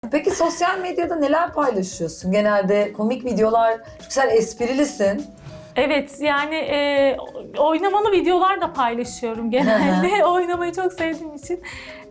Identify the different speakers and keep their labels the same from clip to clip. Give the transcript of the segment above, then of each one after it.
Speaker 1: Peki sosyal medyada neler paylaşıyorsun? Genelde komik videolar, çünkü sen esprilisin.
Speaker 2: Evet, yani oynamalı videolar da paylaşıyorum genelde. Oynamayı çok sevdiğim için.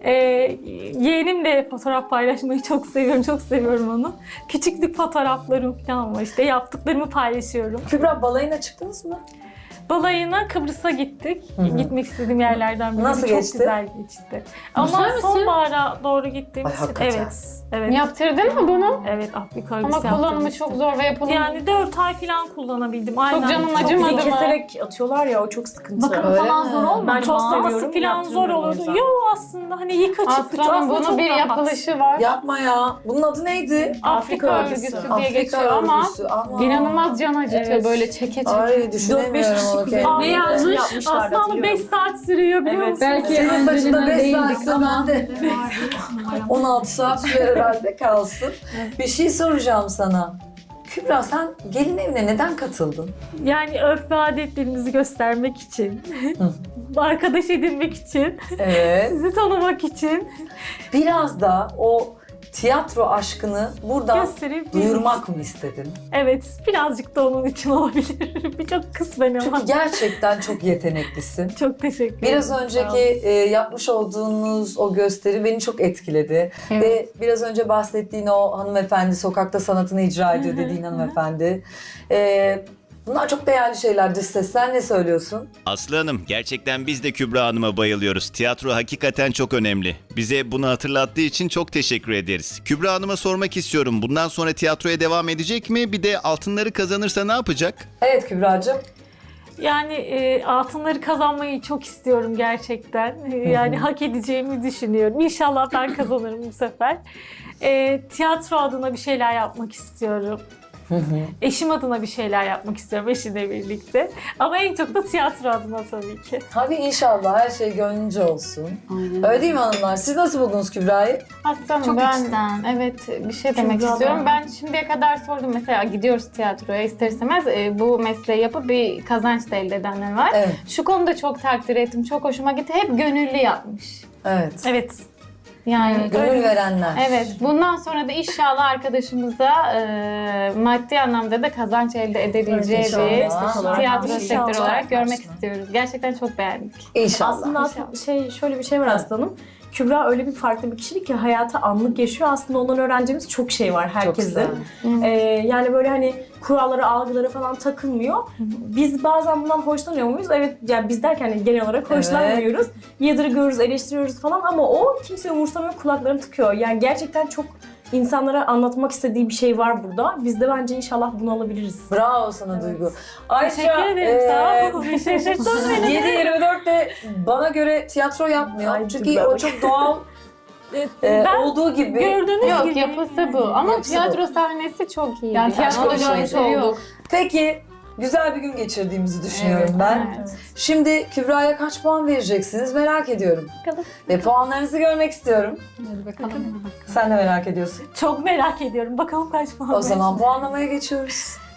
Speaker 2: Yeğenimle fotoğraf paylaşmayı çok seviyorum, çok seviyorum onu. Küçüklük fotoğraflarım falan var, işte yaptıklarımı paylaşıyorum.
Speaker 1: Kübra, balayına çıktınız mı?
Speaker 2: Balayına Kıbrıs'a gittik. Gitmek istediğim yerlerden biri.
Speaker 1: Nasıl
Speaker 2: çok
Speaker 1: geçti?
Speaker 2: güzel geçti. Ama
Speaker 3: misin?
Speaker 2: sonbahara doğru gittiğimiz
Speaker 1: Ay,
Speaker 2: için
Speaker 1: hakikaten.
Speaker 2: evet.
Speaker 3: Yaptırdın mı bunu?
Speaker 2: Evet, Afrika
Speaker 3: Ama
Speaker 2: örgüsü
Speaker 3: kullanımı
Speaker 2: yaptırmıştım.
Speaker 3: çok zor ve yapılımı...
Speaker 2: Yani 4 ay falan kullanabildim. Aynen.
Speaker 3: canım
Speaker 2: Çok
Speaker 3: acımadı mı?
Speaker 4: Keserek atıyorlar ya, o çok sıkıntı.
Speaker 1: Öyle
Speaker 4: falan
Speaker 1: mi?
Speaker 4: zor olmadı.
Speaker 2: Ben çok
Speaker 4: seviyorum.
Speaker 2: seviyorum. Falan zor
Speaker 4: Yaptırmıyorum o
Speaker 2: olurdu.
Speaker 4: yüzden.
Speaker 2: Yo, aslında hani yıka çıktı.
Speaker 3: Aslanım
Speaker 2: Aslında
Speaker 3: bunun
Speaker 2: çok
Speaker 3: bir
Speaker 2: rahat.
Speaker 3: yapılışı var.
Speaker 1: Yapma ya. Bunun adı neydi?
Speaker 3: Afrika örgüsü diye
Speaker 1: Afrika
Speaker 3: geçiyor ama
Speaker 1: örgüsü. Ama
Speaker 3: inanılmaz can acıtıyor
Speaker 2: Evet.
Speaker 3: böyle çeke çeke.
Speaker 1: Ay, düşünemiyorum onu
Speaker 4: kişi
Speaker 1: kendime.
Speaker 2: Ne
Speaker 4: yazmış?
Speaker 2: yazmış? Aslında 5 saat sürüyor biliyor musun?
Speaker 4: Belki
Speaker 1: Senin saçında
Speaker 4: önceden
Speaker 1: 5
Speaker 4: değildik
Speaker 1: saatse
Speaker 4: ama.
Speaker 1: ben de 16 saat sürer herhalde kalsın. Bir şey soracağım sana. Kübra, sen gelin evine neden katıldın?
Speaker 2: Yani örf ve adetlerimizi göstermek için. Arkadaş edinmek için.
Speaker 1: Evet.
Speaker 2: Sizi tanımak için.
Speaker 1: Biraz da o tiyatro aşkını buradan
Speaker 2: Gösterip
Speaker 1: duyurmak mı istedin?
Speaker 2: Evet, birazcık da onun için olabilir. Birçok kısmen ama.
Speaker 1: Çünkü gerçekten çok yeteneklisin.
Speaker 2: Çok teşekkür ederim.
Speaker 1: Biraz
Speaker 2: Sağ
Speaker 1: önceki
Speaker 2: olun.
Speaker 1: yapmış olduğunuz o gösteri beni çok etkiledi.
Speaker 3: Evet.
Speaker 1: Ve biraz önce bahsettiğin o hanımefendi, sokakta sanatını icra ediyor dediğin hanımefendi. Bunlar çok değerli şeyler. Dış sesler, ne söylüyorsun?
Speaker 5: Aslı Hanım, gerçekten biz de Kübra Hanım'a bayılıyoruz. Tiyatro hakikaten çok önemli. Bize bunu hatırlattığı için çok teşekkür ederiz. Kübra Hanım'a sormak istiyorum. Bundan sonra tiyatroya devam edecek mi? Bir de altınları kazanırsa ne yapacak?
Speaker 1: Evet Kübra'cığım.
Speaker 2: Yani altınları kazanmayı çok istiyorum gerçekten. Yani hak edeceğimi düşünüyorum. İnşallah ben kazanırım bu sefer. Tiyatro adına bir şeyler yapmak istiyorum. Eşim adına bir şeyler yapmak istiyorum, eşimle birlikte. Ama en çok da tiyatro adına tabii ki.
Speaker 1: Hadi inşallah her şey gönlünce olsun.
Speaker 3: Aynen.
Speaker 1: Öyle değil mi hanımlar? Siz nasıl buldunuz Kübra'yı?
Speaker 3: Aslanım
Speaker 4: Çok
Speaker 3: ben
Speaker 4: içten.
Speaker 3: evet bir şey demek
Speaker 4: Kübra
Speaker 3: istiyorum.
Speaker 4: da.
Speaker 3: Ben şimdiye kadar sordum mesela gidiyoruz tiyatroya ister istemez bu mesleği yapıp bir kazanç da elde edenler var.
Speaker 1: Evet.
Speaker 3: Şu konuda çok takdir ettim, çok hoşuma gitti. Hep gönüllü yapmış.
Speaker 1: Evet.
Speaker 2: Evet.
Speaker 3: Yani
Speaker 1: Gönül verenler.
Speaker 3: evet, bundan sonra da inşallah arkadaşımıza maddi anlamda da kazanç elde edebileceği
Speaker 4: Evet, inşallah.
Speaker 3: bir
Speaker 4: Meslek olarak.
Speaker 3: tiyatro
Speaker 2: İnşallah.
Speaker 3: sektörü olarak görmek
Speaker 4: İnşallah.
Speaker 3: istiyoruz. Gerçekten çok beğendik.
Speaker 1: İnşallah.
Speaker 4: Aslında şöyle bir şey var aslanım. Kübra öyle bir farklı bir kişilik ki hayata anlık yaşıyor. Aslında ondan öğreneceğimiz çok şey var herkesin. Yani böyle hani kurallara, algılara falan takılmıyor. Biz bazen bundan hoşlanıyor muyuz? Evet, yani biz derken hani genel olarak hoşlanmıyoruz. Yadırgıyoruz, eleştiriyoruz falan ama o kimse umursamıyor, kulaklarını tıkıyor. Yani gerçekten çok insanlara anlatmak istediği bir şey var burada. Biz de bence inşallah bunu alabiliriz.
Speaker 1: Bravo sana Duygu. Ayşe,
Speaker 2: Teşekkür ederim. Sağ olun. Şaşırttın beni.
Speaker 1: 7-24 de bana göre tiyatro yapmıyor.
Speaker 4: Ay,
Speaker 1: Çünkü
Speaker 4: bravo.
Speaker 1: o çok doğal
Speaker 2: Ben
Speaker 1: olduğu gibi.
Speaker 2: gördüğünüz
Speaker 3: Yok,
Speaker 2: gibi.
Speaker 3: yapısı bu. Ama
Speaker 1: Yapısı
Speaker 3: tiyatro sahnesi çok iyi.
Speaker 4: Yani tiyatro
Speaker 3: onu
Speaker 1: çok
Speaker 3: görmüş
Speaker 1: iyi.
Speaker 3: olduk.
Speaker 1: Peki güzel bir gün geçirdiğimizi düşünüyorum
Speaker 3: Evet,
Speaker 1: ben.
Speaker 3: evet.
Speaker 1: Şimdi Kübra'ya kaç puan vereceksiniz merak ediyorum.
Speaker 3: Bakalım.
Speaker 1: Ve puanlarınızı görmek istiyorum.
Speaker 3: Hadi bakalım.
Speaker 1: Sen de merak ediyorsun.
Speaker 2: Çok merak ediyorum. Bakalım kaç puan
Speaker 1: O zaman puanlamaya geçiyoruz.